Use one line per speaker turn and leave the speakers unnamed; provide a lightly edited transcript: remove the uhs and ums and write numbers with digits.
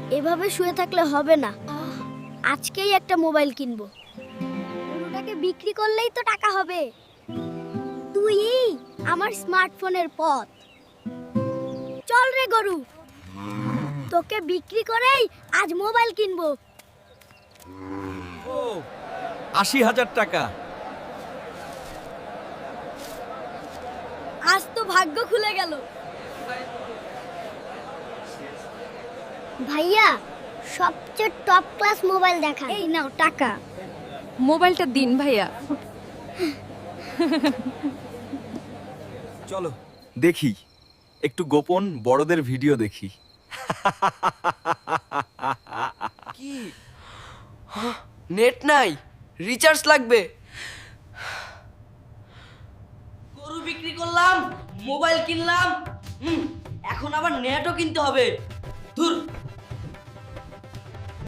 এভাবে শুয়ে থাকলে হবে না। আজকেই একটা মোবাইল কিনবো। গরুটাকে বিক্রি করলেই তো টাকা হবে। তুই আমার স্মার্টফোনের পথ। চল রে গরু, তোকে বিক্রি করেই আজ মোবাইল কিনবো।
ও ৮০,০০০ টাকা।
আজ তো ভাগ্য খুলে গেল। ভাইয়া, সবচেয়ে টপ ক্লাস মোবাইল দেখা। এই নাও টাকা।
মোবাইলটা দিন ভাইয়া।
চলো দেখি, একটু গোপন বড়দের ভিডিও দেখি।
কি নেট নাই, রিচার্জ লাগবে। গরু বিক্রি করলাম, মোবাইল কিনলাম, এখন আবার নেটও কিনতে হবে। ধুর।